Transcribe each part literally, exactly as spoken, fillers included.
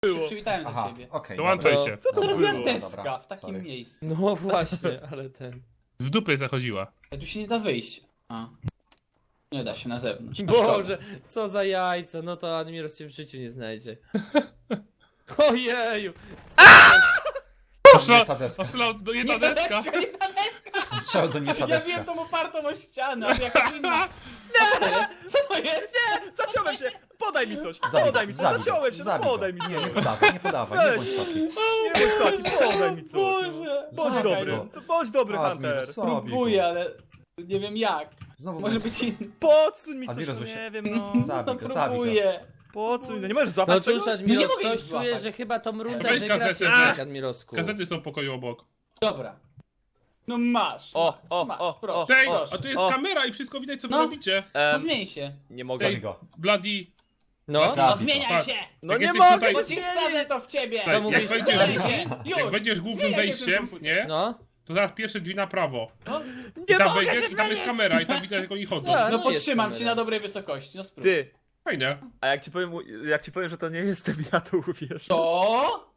było? Przywitałem Aha, za ciebie. okej. Dołączaj dobra. się. Co to To robiła było? deska Dobra, w takim sorry. miejscu. No właśnie, ale ten... Z dupy zachodziła. A tu się nie da wyjść. A. Nie da się na zewnątrz. No szkoda. Boże, co za jajca, no to Admiros cię w życiu nie znajdzie. Ojeju! Nie ta deska. Oszalał do jedna Nie ta deska. deska, nie ta deska! Strzał do nie ta Ja deska. wiem tą opartą o ścianę, ale jaka inna. Co to jest? Co to jest? Zaciąłem się! Podaj mi coś! Zabij, Podaj mi coś! zabij go, Zaciąłem się! zabij go. Podaj mi Nie, coś! nie podawaj, nie podawaj, nie bądź taki. Nie bądź taki, podaj mi coś! Boże. Bądź Czekaj, dobry! no. To bądź dobry, Admiros, Hunter! zabij go. Próbuję, ale nie wiem jak. Znowu Może będzie- być inny. Podsuń mi coś, Admiros, no bo się- nie wiem, no... Zabij No go, zabij go. próbuję. Podsuń, no nie możesz No złapać cóż, czegoś? nie Admiros, mogę ich coś czuję, złapać. że chyba tą rundę Weź wygrasz gazetę. jednak, Admirosku. Gazety są w pokoju obok. Dobra. No masz. O, masz, o, masz, o, proszę, o. Tej, proszę. a tu jest O. kamera i wszystko widać co wy No. robicie. No Em, zmień się. nie mogę. Zabij go. Bloody. No, Zabij No go. zmieniaj Tak. się! No Jak nie jesteś mogę tutaj- Bo się ci wsadzę to w ciebie! Tak, Co jak mówisz? wejdziesz, Zmieniaj się! Już! jak wejdziesz głównym Zmieniaj się w ten wejściem, komputer. nie? no. To zaraz pierwsze drzwi na prawo. Nie I tam mogę wejdziesz się i tam jest zmienić! kamera i tam widać jak oni chodzą. Tak. No No, podtrzymam jest cię kamera. na dobrej wysokości, no spróbuj. Ty, Fajnie. a jak ci powiem, jak ci powiem, że to nie jestem ja, to uwierzysz. To?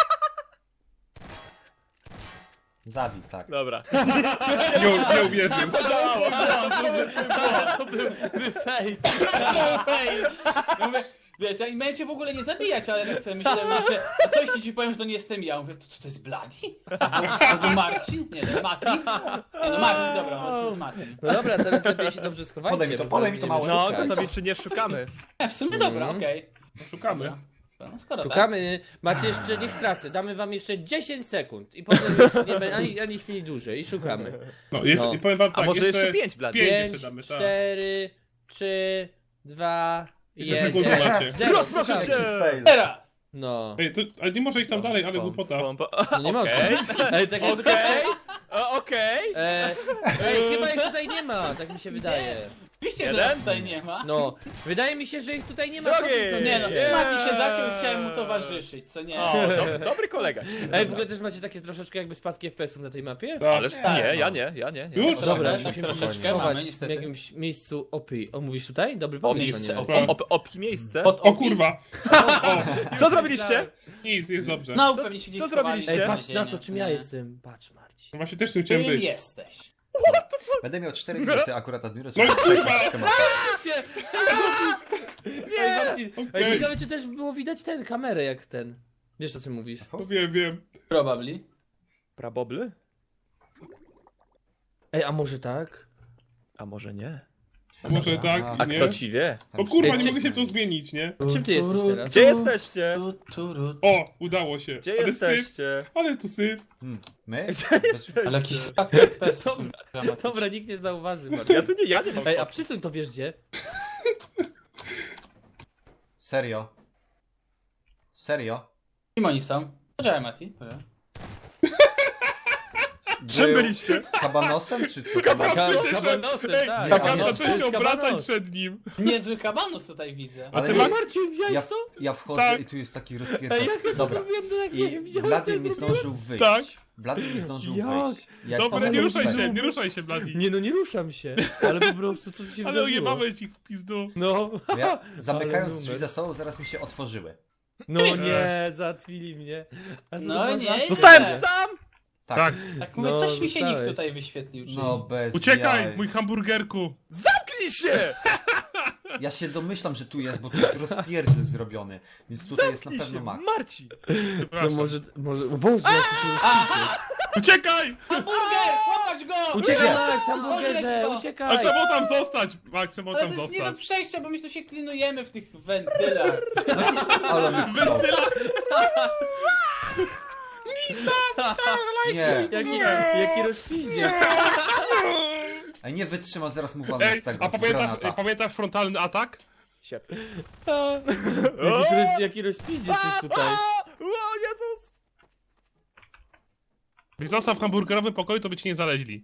Zabij, tak. Dobra. Nie, nie uwierzył. Podziałało! To był fake. Ja mówię, wiesz, ja miałem cię w ogóle nie zabijać, ale tak sobie myślałem, że a coś ci ci powiem, że to nie jestem ja. Mówię, to co to jest Bloody? Albo Marcin? Nie, no Mati? Nie, no Marcin, dobra, no to jest Martin. No dobra, teraz lepiej się dobrze schowajcie. Podaj mi to, bo podaj zaraz mi to będziemy małe. No, szukać. gotowi czy nie szukamy? E, w sumie dobra, Mhm. okej. Szukamy. Dobra. No skoro Szukamy, macie jeszcze, niech stracę, damy wam jeszcze dziesięć sekund i potem już nie będzie ani, ani chwili dłużej i szukamy. No, jeszcze, No. i powiem wam A tak, może jeszcze pięć, Blady? pięć pięć, jeszcze damy, tak. cztery, trzy, dwa, Jeszcze sekundę jeden. macie. Zero, Rozproszę szukamy. cię! Fail. teraz! No, Ej, to, ale nie może iść tam dalej, ale Spom, głupota. spom, po- no nie można. Okej. Ej, tak jakby Okej, o, okej. E, ej, chyba ich tutaj nie ma, tak mi się wydaje. Oczywiście, że Jeden? nas tutaj nie ma. No, wydaje mi się, że ich tutaj nie ma. Drogi! Co ty sądzisz? Nie no, Nie. Mati się zaciął, chciałem mu towarzyszyć, co nie? O, do, dobry kolega. Ej, w ogóle też macie takie troszeczkę jakby spadki F P S ów na tej mapie? Tak. Ależ Tak, nie, no. ja nie, ja nie. nie. Już? Dobra, Tak musimy troszeczkę się mamy, schować w niestety. jakimś miejscu O P. O, mówisz tutaj? Dobry O, pomysł. miejsce, panie o- Marcin. O, op, opki miejsce. Pod O opi? kurwa. Co zrobiliście? Nic, jest dobrze. No, Co- pewnie się gdzieś co schowali. zrobiliście? Ej, Gdzie? patrz na to, czym ja jestem. Patrz, Marcin. No właśnie też tu chciałem Kim być. jesteś? Będę miał cztery minuty akurat Admiros. No i żeby kurwa! przejść troszkę mapę. Ej, Marcin, Okej. ej, ciekawe, czy też było widać ten, kamerę jak ten. Wiesz, o czym mówisz? No wiem, wiem. Probably. Prabobly? Ej, a może tak? A może nie? Może Dobra, tak, A nie? kto ci wie? O kurwa, Ej, nie czy- mogę się tu zmienić, nie? A czym ty jesteś teraz? Gdzie jesteście? Tu, tu, ru. O, udało się. Gdzie ale jesteście? Syf, ale tu syf. Hmm. My? Ale jakiś spadek F P S są dramatyczne. Dobra, nikt nie zauważy, Marcin. Ja tu nie, ja nie mam. Ej, a przysuń to wiesz gdzie? Serio? Serio? Kim oni są? Poczekaj, Mati. Dobra. Czym Był byliście? Kabanosem czy co? Ka- Przecież- kabanosem, Ej, tak. Kabanos, Kabanos, zacząłeś to się jest obracać kabanos. przed nim. Niezły kabanus tutaj widzę. Ale ty ja, masz- Marcin, widziałeś ja, to? ja wchodzę Tak. i tu jest taki Ej, rozpierdol. jak ja to Dobra. zrobiłem, to jak nie I widziałeś, co Blady ja nie zrobiłem? zdążył wyjść. Tak. Blady nie zdążył Jak? wyjść. Ja Dobra, stanąłem nie ruszaj tutaj. się, nie ruszaj się, Bladi. Nie no, nie ruszam się, ale po prostu co się Ale wydarzyło? ojebamy ci w pizdu. No, Ja, zamykając Ale drzwi numer. za sobą, zaraz mi się otworzyły. no nie, załatwili mnie. A co No to była nie, za- nie. Zostałem Nie. sam! Tak. Tak. Tak mówię, No, coś mi się nikt dostałeś. tutaj wyświetlił. Czyli... No bez Uciekaj, jaj. mój hamburgerku. Zamknij się! Ja się domyślam, że tu jest, bo tu jest rozpierdziel zrobiony. Więc tutaj jest na Zamknij pewno się, Max. Marcin! No Przepraszam. może, może, o Boże, jaki tu jest Uciekaj! Hamburger! Łapać go! Uciekaj, Nie. Max, Odleć hamburgerze, go. A uciekaj! trzeba było tam zostać. Max, trzeba było Ale tam to jest nie do zostać. przejścia, bo my tu się klinujemy w tych wentylach. Ale mi no. Nie. Jaki, jaki rozpiździec. Ej, nie wytrzymał, zaraz mu walnę Ej, z tego, a z pamiętasz, granata. pamiętasz frontalny atak? Siad. Jaki, roz, jaki rozpiździec jest tutaj. O Jezus! Gdybyś został w hamburgerowym pokoju, to by ci nie znaleźli.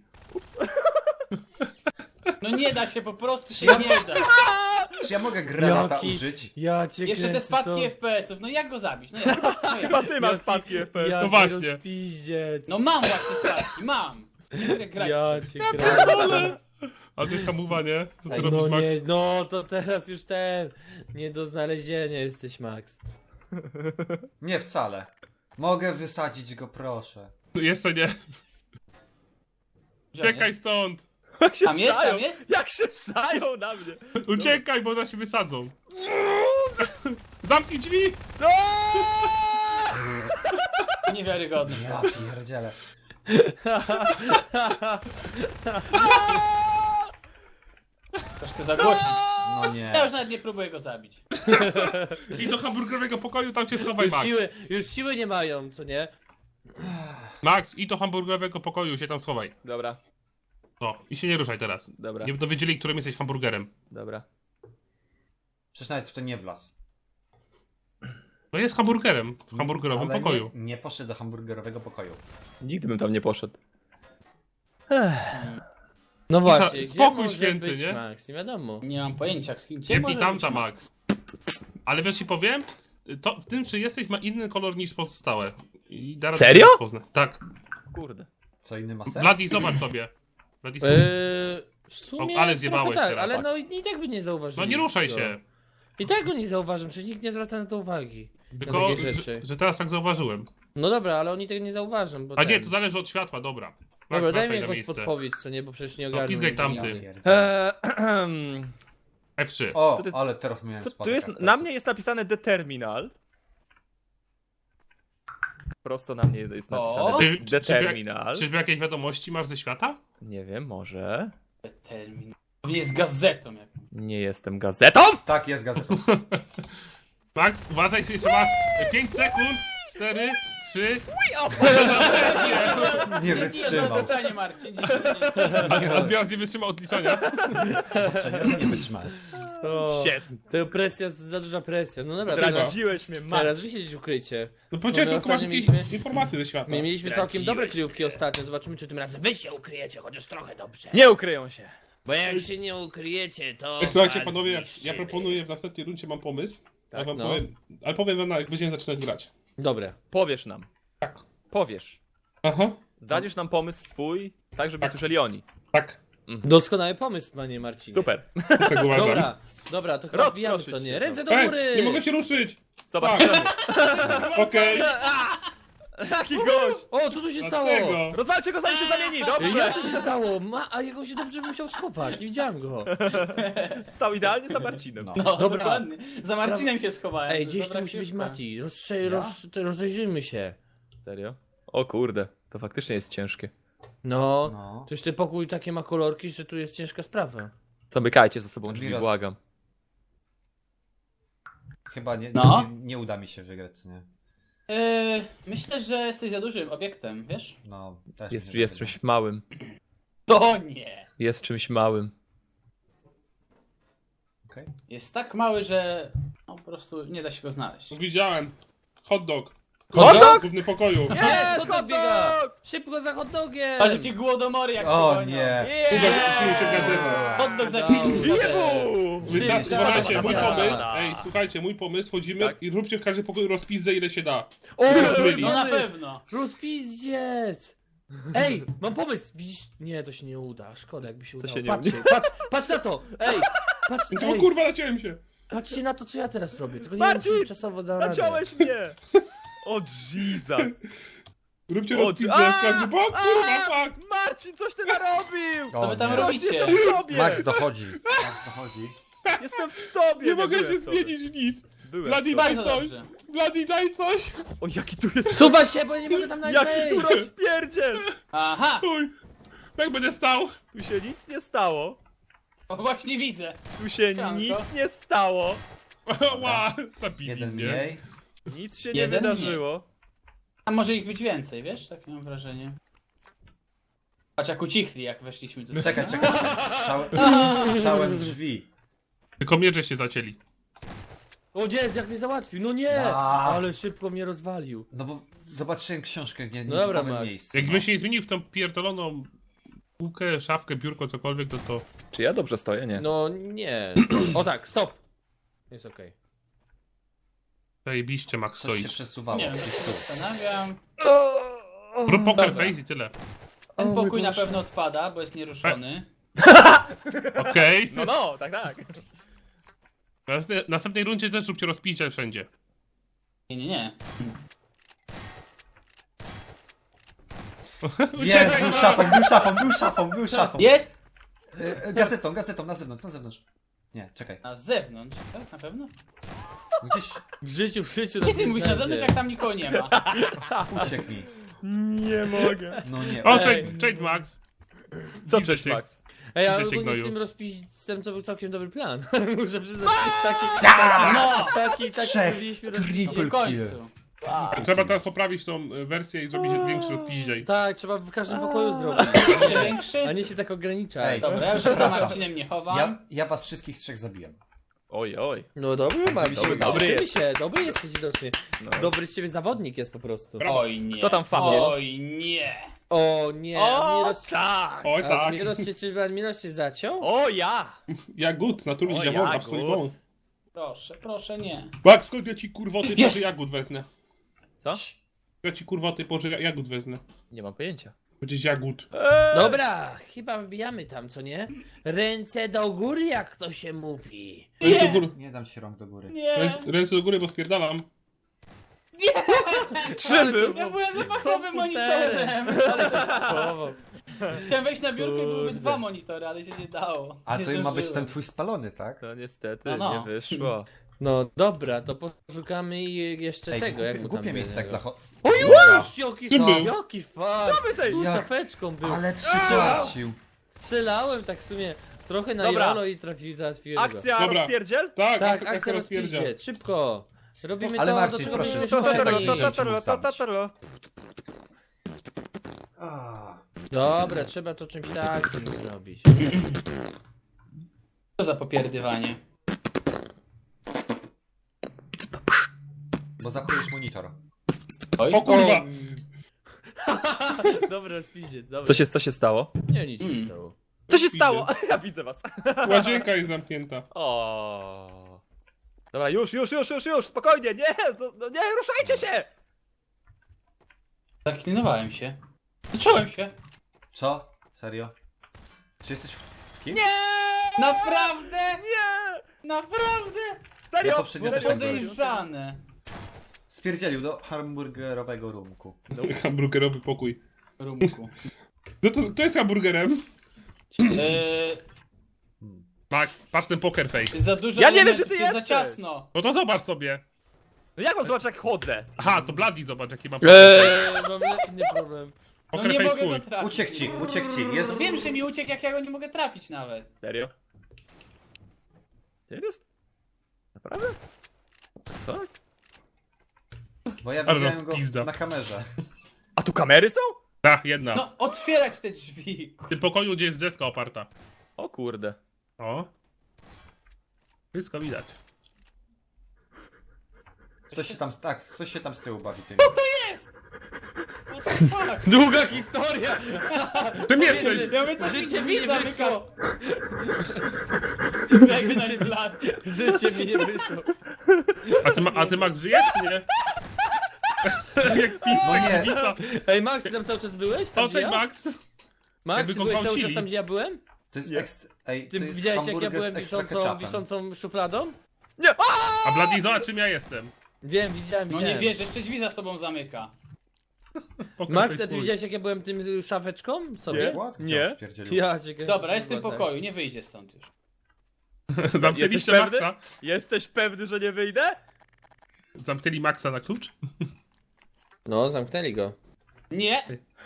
No nie da się, po prostu się nie da. Czy ja mogę granata Jaki- użyć? Ja cię Jeszcze te kręcę, spadki co? F P S ów, no jak go zabić? No jak? No, Chyba jak? ty masz spadki F P S. Jaki No właśnie. rozpiździec. No mam właśnie spadki, mam. Nie mogę grać. Ja przez- cię kręcę. A to jest hamuwa, nie? Co ty Ej, robisz, No Max? nie, no to teraz już ten. Nie do znalezienia jesteś, Max. Nie wcale. Mogę wysadzić go, proszę. Jeszcze nie. Gdzie on Uciekaj jest? stąd! Jak się Tam jest, trzają, tam jest? Jak się trzają na mnie! Uciekaj, bo nas się wysadzą. Zamknij drzwi! No! Niewiarygodne. Ja pierdzielę. Troszkę za głośno. No nie. Ja już nawet nie próbuję go zabić. I do hamburgerowego pokoju, tam się schowaj, Już Max. siły, już siły nie mają, co nie? Max, i do hamburgerowego pokoju się tam schowaj. Dobra, O, i się nie ruszaj teraz. dobra, Nie dowiedzieli, którym jesteś hamburgerem. dobra. Przecież nawet w to nie wlazł. No jest hamburgerem w hamburgerowym Ale pokoju. Nie, nie poszedł do hamburgerowego pokoju. Nigdy bym tam nie poszedł. No właśnie, gdzie spokój może święty, być nie? Max? Nie wiadomo. Nie mam pojęcia. Gdzie Nie może pij tamta, być? Max. Ale wiesz, ci powiem, to w tym, czy jesteś, ma inny kolor niż pozostałe. I zaraz Serio? cię rozpoznę. Tak. Kurde. Co inny ma sens? Bloody, zobacz sobie. Bloody, Eee, w sumie O, ale trochę zjebałeś tak, teraz, ale tak. no i, i tak by nie zauważyli. no nie ruszaj go. się. I tak go nie zauważam, przecież nikt nie zwraca na to uwagi. Tylko, takie rzeczy. że, że teraz tak zauważyłem. No dobra, ale oni tego nie zauważą, bo A nie, ten... to zależy od światła, dobra. Max, Dobra, daj wracaj mi na jakąś miejsce. podpowiedź, co nie, bo przecież nie No, ogarnę. pizgaj nic. tamty. Ja pierdzielę. Eee, F trzy. O, Co to jest- ale teraz miałem co tu spadek jest? F P S-ów. Na mnie jest napisane The Terminal. Prosto na mnie jest O! napisane Czy- The czy- Terminal. Czyżby jakieś wiadomości masz ze świata? Nie wiem, może. Termin. Nie jest gazetą jak. Nie jestem gazetą! Tak, jest gazetą. Max, uważaj, jeszcze masz pięć sekund. cztery, trzy. Nie Nie wytrzymał. zaznaczanie, Marcin. Nie, nie, nie. Odbiorca nie wytrzymał odliczania. Przecież nie wytrzymałeś. O, Shit. to presja, za duża presja. No dobra, teraz, Zdradziłeś mnie, teraz Max. wy siedzieć w ukrycie. No powiedziałem, my że masz ostatnio jakieś mieliśmy- informacje ze świata. My mieliśmy całkiem Zdradziłeś dobre mnie. kryjówki ostatnio, zobaczymy czy tym razem wy się ukryjecie, chociaż trochę dobrze. Nie ukryją się. Bo jak się nie ukryjecie, to Ej, Słuchajcie, was panowie, ja, ja zniszczymy. proponuję w następnej rundzie mam pomysł. Tak, ja wam no. powiem, ale powiem wam, jak będziemy zaczynać grać. Dobre. Powiesz nam. Tak. Powiesz. Aha, Zdradzisz nam pomysł swój, tak żeby Tak. słyszeli oni. tak. Doskonały pomysł, panie Marcinie. Super. Tak uważam. Dobra, dobra, to chyba Rozproszyć wbijamy co nie. się, Ręce do Ej, góry! nie mogę się ruszyć! Zobaczymy. Okej, Jaki gość! O, co tu się stało? dlatego. Rozwalcie go zanim się zamieni, Ej, dobrze! Jak to się stało? Ma, a jego się dobrze musiał schować, nie widziałem go. Stał idealnie za Marcinem. No. No, Dobra. dokładnie. Za Marcinem się schowałem. Ej, To gdzieś dobra tu musi być książka. Mati. Rozstrze- Ja? roz, to rozejrzymy się. Serio? O kurde, to faktycznie jest ciężkie. No, No. to jeszcze pokój takie ma kolorki, że tu jest ciężka sprawa. Zamykajcie za sobą drzwi, Admiros. błagam. Chyba nie, No. nie, nie uda mi się wygrać, co nie? Yy, myślę, że jesteś za dużym obiektem, wiesz? No, też Jest, mi się jest wydaje. czymś małym. To nie. Jest czymś małym. Okej. Jest tak mały, że no, po prostu nie da się go znaleźć. Widziałem. Hot dog. Hot dog? W głównym pokoju. Jest, Jest, hot dog hot biega! dog! Szybko za hot dogiem! Patrz jakie głodomory jak O się gonią. nie! Uwaga, Yeah! tu się gazeta. Hot dog za Dobra. pięć. Jebu! Wyda- Szybko. Słuchajcie, mój Dobra. pomysł. Ej, słuchajcie, mój pomysł. Wchodzimy Tak. i róbcie w każdym pokoju rozpizdę ile się da. O, Rozmyli. No na pomysł! pewno. Rozpizdziec! Ej, mam pomysł! Widzisz? Nie, to się nie uda. Szkoda, jakby się Co udało. się nie Patrzcie, patrz, patrz na to! Ej! Patrz, O ej, kurwa, naciąłem się. patrzcie na to, co ja teraz robię. Tylko nie Marcin! wiem, czy czasowo dam radę. Zaciąłeś mnie! O Jesus! Róbcie O, rozpizdę A! w każdym pokoju. Kurwa, fuck. Marcin, coś ty narobił! O, To wy tam nie. Rośnie, robicie. jestem w tobie! Max dochodzi. Max dochodzi. Jestem w tobie! Nie mogę byłem się w tobie. zmienić w nic. Byłem w Bloody, tobie. daj Bardzo coś. dobrze. Bloody, daj coś. O, jaki tu jest... Suwa się, bo ja nie mogę tam nawet Jaki tu wejść. rozpierdziel! Aha! Chuj. Tak będę stał. Tu się nic nie stało. O, właśnie widzę. Tu się Sianko. nic nie stało. Ła, zabili Jeden mnie. mniej. Nic się nie Jeden wydarzyło. A może ich być więcej, wiesz? Takie mam wrażenie. Patrz jak ucichli, jak weszliśmy tutaj. Czekaj, czekaj. Stałem, stałem drzwi. Tylko mierze się zacięli. O nie, jak mnie załatwił. No nie! A. Ale szybko mnie rozwalił. No bo zobaczyłem książkę, nie, nie No dobra, w nowym Max. miejscu. Jakbym no. się nie zmienił w tą pierdoloną półkę, szafkę, biurko, cokolwiek, to to... Czy ja dobrze stoję? Nie. No nie. O tak, stop. Jest okej. Zajebiście, Max Coś się stoisz. przesuwało. Nie wiem, gdzieś się tu. zastanawiam. Pro poker Dobra. face i tyle. Ten O mój pokój na Boże. pewno odpada, bo jest nieruszony. Okej. No, no, tak, tak. W następnej- następnej rundzie też róbcie rozpicia wszędzie. Nie, nie, nie. Jest, był szafą, był szafą, był szafą, był szafą. Jest! E, gazetą, gazetą, na zewnątrz, na zewnątrz. Nie, czekaj. Na zewnątrz, tak? Na pewno? Gdzieś W życiu, w życiu. Gdzie nas ty nie mówisz na znajdzie. zewnątrz, jak tam nikogo nie ma? uciekł mi. Nie mogę. No nie. O, Ej. cześć, cześć Max. Co Widzę cześć, cię. Max? Ej, ale Widzę cię, ogólnie z gnoju. tym rozpisem to był całkiem dobry plan. Muszę przyznać, taki, taki, No! taki, taki Trzech. zrobiliśmy Triple rozpisem. W końcu. Trzeba teraz poprawić tą e, wersję i zrobić większy odpiździej. Tak, trzeba w każdym pokoju zrobić. Jeszcze większy? A nie się tak ograniczać. Ej. Dobra, ja już się za Marcinem nie chowam. Ja, ja was wszystkich trzech zabiłem. Oj, oj. No dobry, Marcin, żeby się dobry, udało. dobry się, dobry jesteś widocznie. No. Dobry z ciebie zawodnik jest po prostu. Brawo. Oj nie. Kto tam famie? Oj nie. O nie, O, Admiros, tak! Oj tak. Admiros się, czyżby Admiros się zaciął? O, ja! Jagód, naturalnie O, działa, jagód. swój wąs. Proszę, proszę nie. Max, skąd ja ci kurwoty Jest! poży jagód wezmę? Co? Ja ci kurwoty poży jagód wezmę. Nie mam pojęcia. Będziesz jagód. Eee! Dobra, chyba wbijamy tam, co nie? Ręce do góry, jak to się mówi. Ręce do góry, Nie dam ci rąk do góry. Nie. ręce, ręce do góry, bo spierdalam. Trzy był! Ja byłem zapasowym Komputerem. monitorem. Ale się schował. Chciałem wejść na biurko i byłyby Kurde. dwa monitory, ale się nie dało. A nie to ma być zdążyłem. ten twój spalony, tak? To niestety No, no. nie wyszło. No dobra, to poszukamy i jeszcze Ej, tego, jak głupie, mu tam głupie miejsce jak będzie. dla cho... O Dobra. już! Jaki, Ty był. jaki fart! my tej- Tu Jak- szafeczką był. Ale przysłacił. Strzelałem tak w sumie trochę na Dobra. Jolo i trafił, załatwiłem go. Akcja Dobra. rozpierdziel? Tak, Tak, tak, akcja rozpierdzia. rozpiździe, szybko. Robimy Ale to, Marcin, do czego proszę, my to- to- jesteśmy to- fajni. to- to- to- to- to- to- A. Dobra, trzeba to czymś takim zrobić. Co za popierdywanie. Bo zapujesz monitor. Oj, O kurwa! Dobra, rozpiździec, dobra. Co się, co się stało? Nie, nic się Mm. stało. Co się stało? Ja widzę was. Łazienka jest zamknięta. O. Dobra, już, już, już, już, już, spokojnie, nie, no, no nie, ruszajcie się! Zaklinowałem się. Zacząłem się. Co? Serio? Czy jesteś w, w kim? Nie! Naprawdę? Nie! Naprawdę? Serio? Ja poprzednio Było też tak byłem. podejrzane. Spierdzielił do hamburgerowego rumku. Hamburgerowy pokój. Rumku. No to, to jest hamburgerem. Eee, Max, patrz ten poker face. za dużo Ja nie wiem, elementów, czy ty jest za jesteś. ciasno. No to zobacz sobie. No jak mam zobaczyć jak chodzę? Aha, to Bloody zobacz jaki ma Eee, mam inny problem. No poker nie face mogę twój. go trafić. Uciekł ci, uciekł ci. Jest... Wiem, że mi uciekł, jak ja go nie mogę trafić nawet. Serio? Serio? Naprawdę? Tak? Bo ja Ale widziałem go rozpizda. na kamerze. A tu kamery są? Tak, jedna. No, otwierać te drzwi. W tym pokoju, gdzie jest deska oparta. O kurde. O. Wszystko widać. Ktoś się tam, tak, ktoś się tam z tyłu bawi tym. What the fuck? Długa historia! Czym jesteś? Ja mówię, coś mi Życie mi drzwi nie zamyka. wyszło! Jakby na plan. Życie mi nie wyszło. A ty, ma, a ty Max żyjesz, czy nie? Jak pisek, No nie. pizza. Ej, Max, ty tam cały czas byłeś? Tam, O, gdzie cześć ja? Max. Max, Jakby ty go byłeś cały czas gwałcili. tam, gdzie ja byłem? To jest Nie. ekst... Ej, Ty to jest widziałeś, jak ja hamburger byłem z ekstra wiszącą, ketchupem. wiszącą szufladą? Nie! A! A Bloody zobacz czym ja jestem. Wiem, widziałem, No widziałem. nie wierzę, jeszcze drzwi za sobą zamyka. Poker Max, face a ty twój. widziałeś, jak ja byłem tym y, szafeczką sobie? Nie. What? Nie. Co, spierdzielił? Ja cię kręcę, Dobra, jest w to tym była pokoju, akcja. nie wyjdzie stąd już. Zamknęliście Jesteś pewny? Maxa? Jesteś pewny, że nie wyjdę? Zamknęli Maxa na klucz? No, zamknęli go. Nie!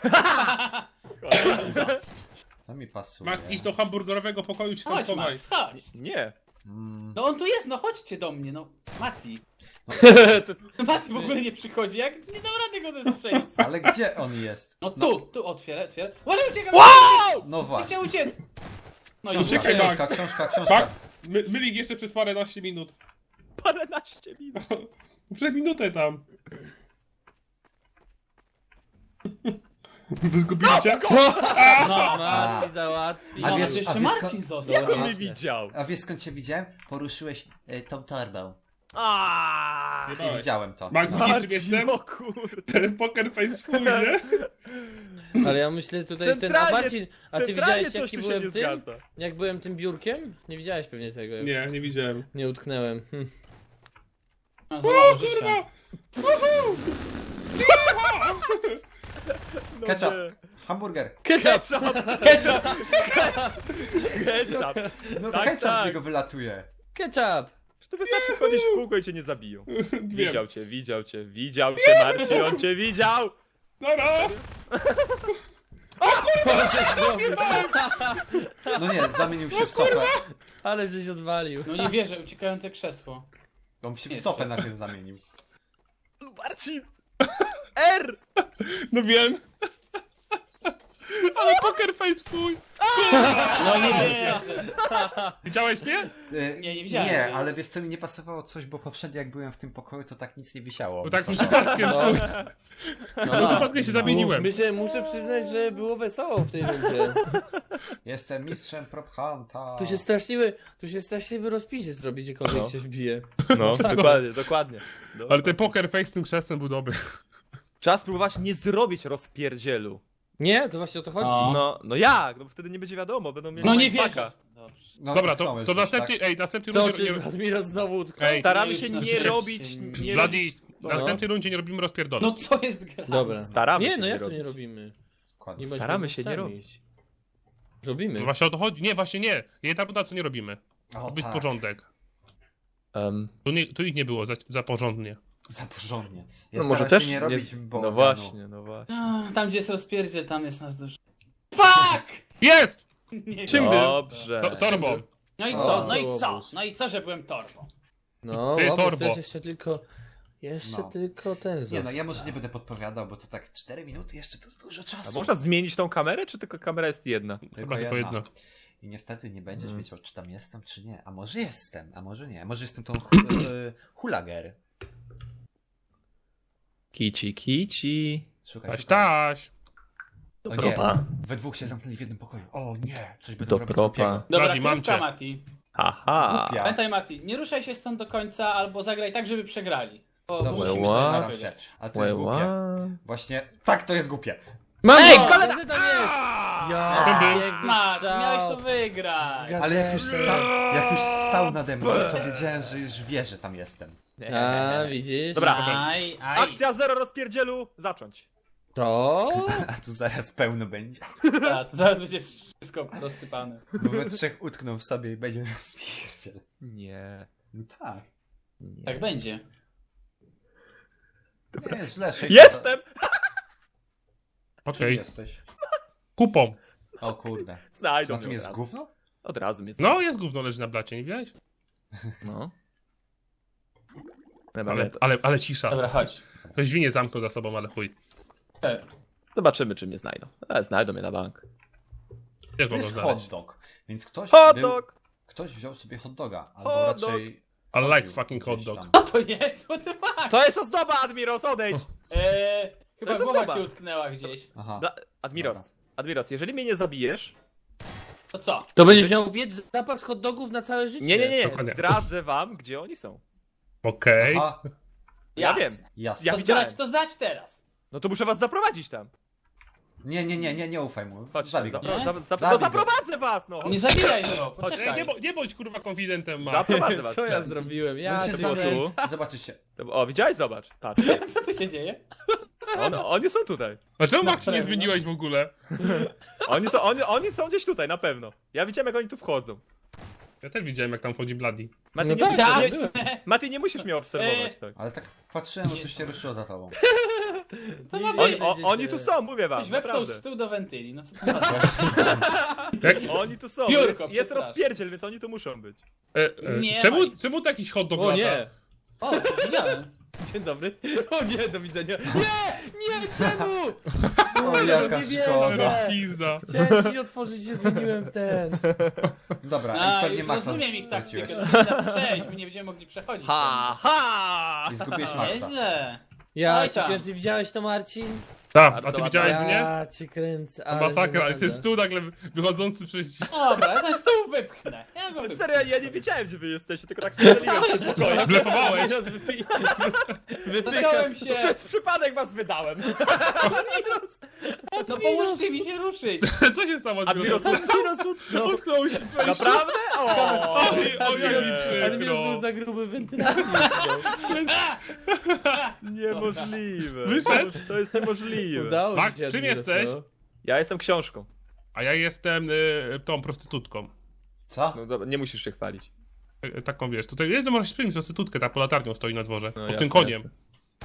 To mi pasuje. Max, idź do hamburgerowego pokoju, ci tam Chodź, schowaj. Max, chodź. Nie. Mm. No on tu jest, no chodźcie do mnie, no. Mati. No Mati w ogóle nie przychodzi, jak nie dam rady go zestrzelić. Ale gdzie on jest? No tu, tu otwieraj, otwieraj. Uważaj, uciekam! Wow! No Nie właśnie. chciał uciec! No i Książka, Uciekaj, uciekaj. książka, książka, książka. Tak? My, mylik jeszcze przez paręnaście minut. Paręnaście minut. Przez minutę tam. Wy zgubiliście? No, Mati załatwi. A no, wiesz- to jeszcze a wiesz Marcin skąd- został. Jak on mnie jasne. widział? A wiesz skąd cię widziałem? Poruszyłeś y, tą torbę. Aaaa! I widziałem to. Max, No. widzisz czym jestem? o kurde. Ten poker face swój, nie? Ale ja myślę tutaj ten... A Centralnie- Marcin, a ty Centralnie widziałeś coś jaki tu się byłem nie tym? zgadza. Jak byłem tym biurkiem? Nie widziałeś pewnie tego. Nie, nie widziałem. Nie utknęłem. Hm. No, za O mało życia. kurwa! No Ketchup. nie. Hamburger. Ketchup! Ketchup! Ketchup! No Tak, ketchup tak. z niego wylatuje. Ketchup! Czy to wystarczy chodzić w kółko i cię nie zabiją? Wiem. Widział cię, widział cię, widział cię, Marcin, on cię widział! Dobra! No nie, zamienił się w sofę. Ale żeś odwalił. No nie wierzę, uciekające krzesło. On się w Nie, sofę to- najpierw zamienił. Marcin! R! No wiem. Ale poker face twój. No nie wierzę. Widziałeś mnie? E, Nie, nie widziałem. Nie, ale wiesz co, mi nie pasowało coś, bo poprzednio jak byłem w tym pokoju, to tak nic nie wisiało. Bo tak mi Wysoko. przypadkiem No. no. przypadkiem się zamieniłem. Myślę, muszę przyznać, że było wesoło w tej rundzie. Jestem mistrzem prop hunta. Tu się straszliwy, tu się straszliwy rozpisie zrobi, gdziekolwiek No. się wbije. No, dokładnie, dokładnie. No. Ale ten poker face z tym krzesłem był dobry. Trzeba spróbować nie zrobić rozpierdzielu. Nie, to właśnie o to chodzi. O. No, no jak? No bo wtedy nie będzie wiadomo, będą mieli No nie mindfucka. wierzę. Dobrze. No, Dobra, to, utknąłeś to gdzieś, następny, tak? ej, następny Co, rundzie... czy Nie, Admiros znowu utknął? Ej, Staramy No się już nie na robić, nie Bloody, robić... w następnej rundzie nie robimy rozpierdolu. No co jest gra? Dobra. Staramy nie, się no nie jak to robić. nie robimy? Dokładnie. Nie bądźmy Staramy się nie głupcami. robić. Robimy. No właśnie o to chodzi. Nie, właśnie nie. Jedna runda co nie robimy. O, To być tak. porządek. Um, Tu, nie, tu ich nie było za, za porządnie. Za porządnie. Ja no może staram też się nie robić No bałaganu. właśnie, no właśnie. A, Tam gdzie jest rozpierdziel, tam jest nas dużo. Fuck! Jest! Nie Czym wiem. był? Dobrze. To, torbą. No i O, co? No to i było co? obóz. No i co, że byłem torbą? No, Ty, o, bo torbo. to jest jeszcze tylko... Jeszcze No. tylko ten Nie został. no, ja może nie będę podpowiadał, bo to tak cztery minuty jeszcze to jest dużo A czasu. można zmienić tą kamerę, czy tylko kamera jest jedna? Chyba tylko jedno. I niestety nie będziesz Mm. wiedział, czy tam jestem, czy nie. A może jestem, a może nie. Może jestem tą hu- e, hulager. Kici, kici. Szukaj, Taś, szukaj. taś. O nie, Propa. we dwóch się zamknęli w jednym pokoju. O nie, coś będą Do robić propa. głupiego. Dobra, Bladi, mam krówka cię. Mati. Aha. Głupia. Pamiętaj Mati, nie ruszaj się stąd do końca, albo zagraj tak, żeby przegrali. Bo Dobrze, musimy Ła. to staram się. wygrać. Ale to jest Łe, głupie. ła. Właśnie, tak, to jest głupie. Mam Ej, go! kolega! Gazeta jest! Ja, To był- piękny Mati, strzał. miałeś to wygrać. Gaz- Ale jak już, Gazety. stał, jak już stał nade mną, to wiedziałem, że już wie, że tam jestem. A, widzisz? Dobra. Aj, aj. Akcja zero rozpierdzielu, zacząć. To? A tu zaraz pełno będzie. Ta, to zaraz będzie wszystko rozsypane. Bo we trzech utkną w sobie i będzie rozpierdziel. Nie. No tak. nie. Tak będzie. Nie jest źle. sześć- Jestem! Czym Okej. jesteś? Kupą. O kurde. Znajdą Na mnie tym od jest razu. gówno? Od razu mnie No, jest gówno leży na blacie, nie widziałeś? No. Dobra, Ale, to- ale, ale cisza. Dobra, chodź. Ktoś drzwi nie zamknął za sobą, ale chuj. E, Zobaczymy, czy mnie znajdą. Ale znajdą mnie na bank. Też To mogą jest znaleźć. hot dog. Więc ktoś, Hot był, dog! ktoś wziął sobie hot doga. Albo Hot raczej... I like chodził fucking hot gdzieś dog. tam. Co to jest? What the fuck? To jest ozdoba, Admiros, odejdź! Eee, chyba jest głowa ozdoba. ci utknęła gdzieś. Aha. Dla... Admiros, Dobra. Admiros, jeżeli mnie nie zabijesz... To co? To będziesz miał wiedz zapas hot dogów na całe życie. Nie, nie, nie, Dokładnie. zdradzę wam, gdzie oni są. Okej. Aha, Ja Jasne. wiem. jasne. Ja To widziałem. zdać, to zdać teraz. No to muszę was zaprowadzić tam. Nie, nie, nie, nie, nie ufaj mu. Chodź, Zabij go. zapro... Nie? za... za... Zabij no go. zaprowadzę was, no! Nie zabijaj go, Ej, poczekaj. nie, bo, nie bądź kurwa konfidentem, ma. Zaprowadzę was. Co ja tam. zrobiłem? No Ja się cię zamknij. kręcę. Zobaczycie. O, widziałeś? Zobacz. Patrz. Co tu się dzieje? On, oni są tutaj. A czemu Na Max nie pewno. zmieniłeś w ogóle? Oni są, oni, oni są gdzieś tutaj, na pewno. Ja widziałem, jak oni tu wchodzą. Ja też widziałem jak tam wchodzi Bloody. Mati, No nie, tak, musisz, Jasne. nie, Mati, nie musisz mnie obserwować. Tak. Ale tak patrzyłem, bo coś się ruszyło za tobą. To ma Oni, być. o, oni tu są, mówię wam, Ktoś wepchnął naprawdę. stół do wentyli, no co to ma znaczyć? Jak, Oni tu są, Biurko, jest, jest przepraszam. rozpierdziel, więc oni tu muszą być. e, e, Nie czemu, ma. czemu to jakiś hot dog O lata? nie! O, coś widziałem. Dzień dobry. O nie, do widzenia. Nie! Nie, czemu? O, jaka nie szkoda. wierzę. Pizda. Chciałem ci otworzyć, się zmieniłem w ten. Dobra, i A, pewnie już Maxa rozumiem ich straciłeś. taktykę, to nie da przejść, my nie będziemy mogli przechodzić. Ha, ha! I zgubiłeś Maxa. Nieźle. Ja Oj cię tam. kręcę, widziałeś to, Marcin? Tak, a Bardzo ty ładna. widziałeś mnie? Ja cię kręcę, To ale masakra, ale żenada. ten stół nagle wychodzący przez... Dobra, ja ten stół wypchnę. Ja go No wypchnę. serio, ja nie wiedziałem, gdzie wy jesteście, tylko tak strzeliłem w tym pokoju. Blefowałeś. Zacząłem się. Przez przypadek was wydałem. No pomóżcie mi się ruszyć. Co się stało? Admiros Admiros utknął. Utknął się. Naprawdę? O, Oj, oj, jak mi Admiros był przykro. za gruby w wentylacji. Niemożliwe. Wyszedł? To jest niemożliwe. Udało Max, się, czym Admiros, jesteś? no. Ja jestem książką. A ja jestem y, tą prostytutką. Co? No dobra, nie musisz się chwalić. Y, Taką wiesz, tutaj jest, możesz śpić prostytutkę, ta po latarnią stoi na dworze. No pod jasne, tym koniem. jasne.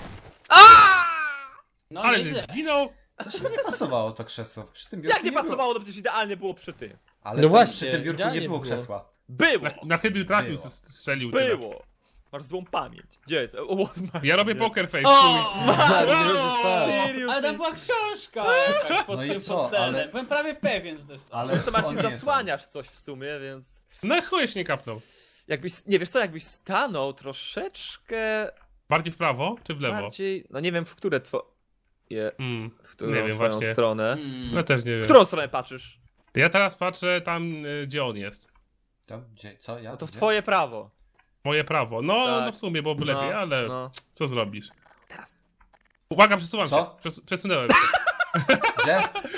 No Ale nieźle. zginął. Coś mi nie pasowało to krzesło. Przy tym biurku Jak nie było. pasowało, to przecież idealnie było przy tym. Ale No tam właśnie, przy tym biurku idealnie nie było było. krzesła. Było! Na, na chybił trafił, Było. strzelił. tyle. Było! Masz złą pamięć. Gdzie jest? O, o, Ja robię nie. poker face. O! Admiros już padł. Seriously? Ale tam była książka jakaś pod No i tym co, fotelem. ale- Byłem prawie pewien, że to jest to. Ale Zresztą to Marcin, nie jest zasłaniasz coś w sumie, więc... No chuj nie kapnął. Jakbyś, nie wiesz co, jakbyś stanął troszeczkę Bardziej w prawo czy w lewo? bardziej... No nie wiem, w które two... Je, Mm, w którą nie wiem twoją właśnie. stronę. Mm. Ja też nie W wiem. którą stronę patrzysz? Ja teraz patrzę tam, y, gdzie on jest. To, gdzie, co? Ja? No to w Gdzie? twoje prawo. Moje prawo. No, Tak. no w sumie byłoby lepiej, No, ale no. co zrobisz? Teraz. Uwaga, przesuwam Co? się. Przes przesunąłem się. Gdzie?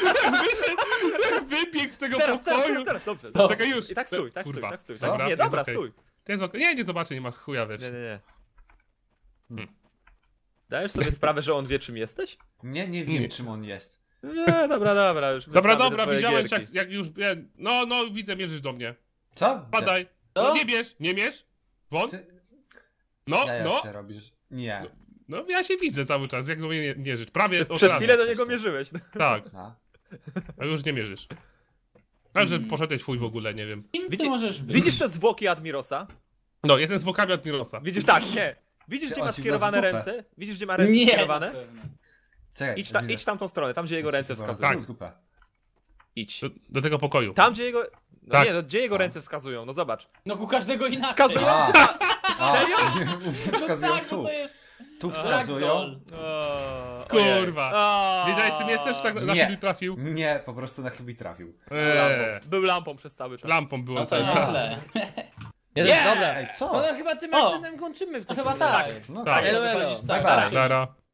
Wybiegł z tego Teraz, teraz, pokoju. teraz, teraz, dobrze. No. Czekaj już. I tak stój, tak Kurwa. stój, tak stój. Co? Nie, Jest dobra, okej. stój. To jest okej. Nie, nie zobaczę, nie ma chuja wiesz. Nie, nie, nie. Hmm. Dajesz sobie sprawę, że on wie czym jesteś? Nie, nie wiem Nie. czym on jest. Nie, dobra, dobra, już Dobra, wyznamy te dobra, twoje widziałem gierki. jak, jak już. Ja, no, no, widzę, mierzysz do mnie. Co? Gdzie? Padaj. Co? No nie bierz, nie mierz. Won. Ty... No, Ja no. jeszcze robisz. Nie. No ja się widzę cały czas, jak do mnie mierzysz. Prawie Przez, od przez razu. chwilę do niego mierzyłeś. No. Tak, A. a już nie mierzysz. A że Mm. poszedłeś fuj w ogóle, nie wiem. Kim ty Widzi- możesz być? Widzisz te zwłoki Admirosa? No, jestem zwłokami Admirosa. Widzisz tak, nie. Widzisz Ty, gdzie on ma ci skierowane wlazł w dupę. ręce? Widzisz gdzie ma ręce Nie, skierowane? na pewno. Czekaj. Idź, ta, Emile. idź tamtą stronę, tam gdzie jego ręce Chyba wskazują. rozwalił dupę. Idź. Do, do tego pokoju. Tam gdzie jego... No Tak. nie, no gdzie jego ręce wskazują? No zobacz. No u każdego inaczej. Wskazują? A, a, Serio? No wskazują tak, tu. no to jest Tu wskazują. ragdoll. O, Kurwa. ojej. Wiedziałeś czym jesteś? Tak na Nie. chybił trafił. Nie, po prostu na chybi trafił. Eee, Lampą. Był lampą przez cały czas. lampą byłem No to cały czas. nieźle. Nie, Nie! Dobra. Ej, No co? to chyba tym O! akcentem kończymy w To takim chyba razie. tak. No Tak. tak. Elo, elo. Wychodzisz Bye tak. bye. Zara.